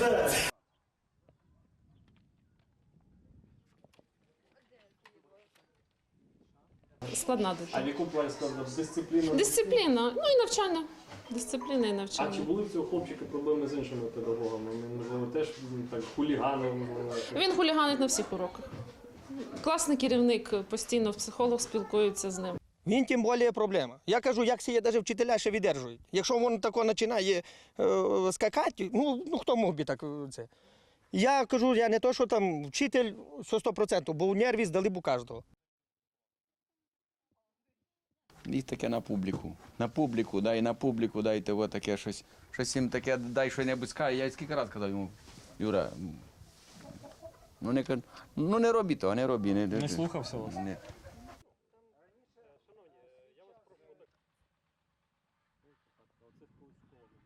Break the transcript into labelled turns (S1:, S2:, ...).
S1: Складна дитина.
S2: А в якому плані складно? Дисципліна?
S1: Дисципліна, ну і навчання. Дисципліна і
S2: А
S1: навчання.
S2: чи були в цього хлопчика проблеми з іншими педагогами? Можливо, теж так хуліганив, можливо?
S1: Він хуліганить на всіх уроках. Класний керівник, постійно психолог спілкується з ним.
S3: Він тим більше проблема. Я кажу, як це навіть вчителя ще видержують. Якщо він тако починає скакати, ну хто мог би так це? Я кажу, я не то, що там вчитель 100%, бо у нерві здали б у кожного.
S4: І таке на публіку. На публіку дайте от таке щось їм таке, дай що-небудь скаже. Я скільки разів казав йому, Юра, не роби того, не роби.
S2: Не слухався вас?
S4: Ні.